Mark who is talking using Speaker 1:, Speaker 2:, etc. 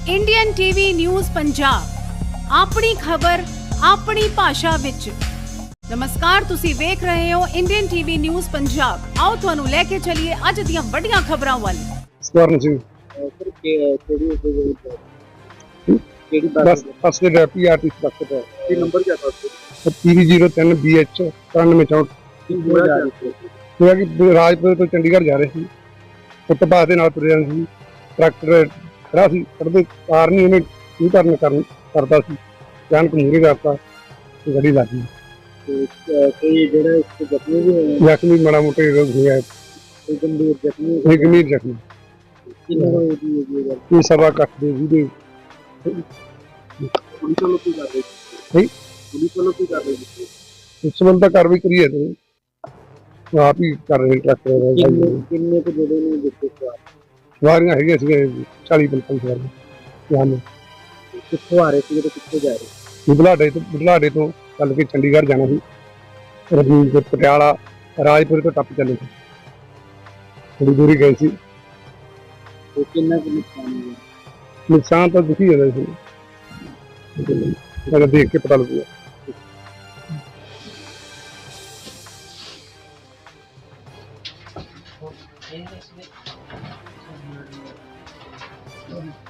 Speaker 1: Indian TV news Punjab अपनी खबर अपनी भाषा विच। नमस्कार, तुसी वेख रहे हो इंडियन टीवी न्यूज़ पंजाब। आओ तुहानू लेके चलिए अज दियां वड्डियां खबरां वल।
Speaker 2: स्वर्ण सिंह बस फर्स्ट डेप्यूटी आर्टिस्ट डॉक्टर है।
Speaker 3: नंबर क्या था उसका?
Speaker 2: PV03 BH 9464 ਹੋਇਆ ਕਿ ਰਾਜਪੁਰ ਤੋਂ ਚੰਡੀਗੜ੍ਹ ਜਾ ਰਹੇ ਸੀ। ਫੁੱਟਪਾਥ ਦੇ ਨਾਲ ਤੁਰੇ ਜਾਂਦੇ ਸੀ। ਟਰੈਕਟਰ ਖੜਾ ਸੀ, ਸੜਕ ਕਾਰ ਨਹੀਂ ਉਹਨੇ ਕੀ ਕਰਦਾ ਸੀ, ਅਚਾਨਕ ਮੂਹਰੇ ਕਰਤਾ ਤੇ ਗੱਡੀ ਲੱਗ ਗਈ।
Speaker 3: ਕੋਈ ਜਿਹੜਾ ਇਸ ਜ਼ਖਮੀ ਵੀ ਹੋਇਆ,
Speaker 2: ਜ਼ਖਮੀ ਮਾੜਾ ਮੋਟਾ ਹੋਇਆ,
Speaker 3: ਕੋਈ ਗੰਭੀਰ ਜ਼ਖਮੀ ਹੋਇਆ।
Speaker 2: ਕੋਈ ਗੰਭੀਰ ਜ਼ਖਮੀ।
Speaker 3: ਕਿੰਨੇ ਹੋਏ ਜੀ ਇਹ ਗੱਲ?
Speaker 2: ਇਹ ਸਵਾ ਕੱਟ ਦੇ ਵੀਡੀਓ
Speaker 3: ਪੁਲਿਸ ਵੱਲੋਂ ਕੀ ਕਰ ਰਹੀ
Speaker 2: ਹੈ।
Speaker 3: ਪੁਲਿਸ ਵੱਲੋਂ ਕੀ ਕਰ ਰਹੀ ਸੀ?
Speaker 2: ਇਸ ਸੰਬੰਧ ਤਾਂ ਕਾਰਵਾਈ ਕਰੀ ਹੈ ਤੇ ਆਪ ਹੀ ਕਰ ਰਹੇ ਟਰੈਕਟਰ
Speaker 3: ਕਿੰਨੇ ਕੁ ਜਿਹੜੇ ਨੇ ਦਿੱਤੇ
Speaker 2: ਸਵਾਰੀਆਂ ਹੈਗੀਆਂ ਸੀਗੀਆਂ 40-45 ਸਵਾਰੀਆਂ।
Speaker 3: ਕਿੱਥੋਂ ਆ ਰਹੇ ਸੀ ਤੇ ਕਿੱਥੇ ਜਾ ਰਹੇ?
Speaker 2: ਬੁਢਲਾਡੇ ਤੋਂ ਚੱਲ ਕੇ ਚੰਡੀਗੜ੍ਹ ਜਾਣਾ ਸੀ। ਰਜੀਵ ਪਟਿਆਲਾ ਰਾਜਪੁਰ ਤੋਂ ਟੱਪ ਚੱਲੇ ਸੀ, ਥੋੜੀ ਦੂਰੀ ਗਏ ਸੀ।
Speaker 3: ਤੇ ਕਿੰਨਾ ਕੁ ਨੁਕਸਾਨ ਹੋਇਆ?
Speaker 2: ਨੁਕਸਾਨ ਤਾਂ ਦਿਖੀ ਜਾਂਦਾ ਸੀ, ਅਗਰ ਦੇਖ ਕੇ ਪਤਾ ਲੱਗੂਗਾ।
Speaker 3: ਇਹ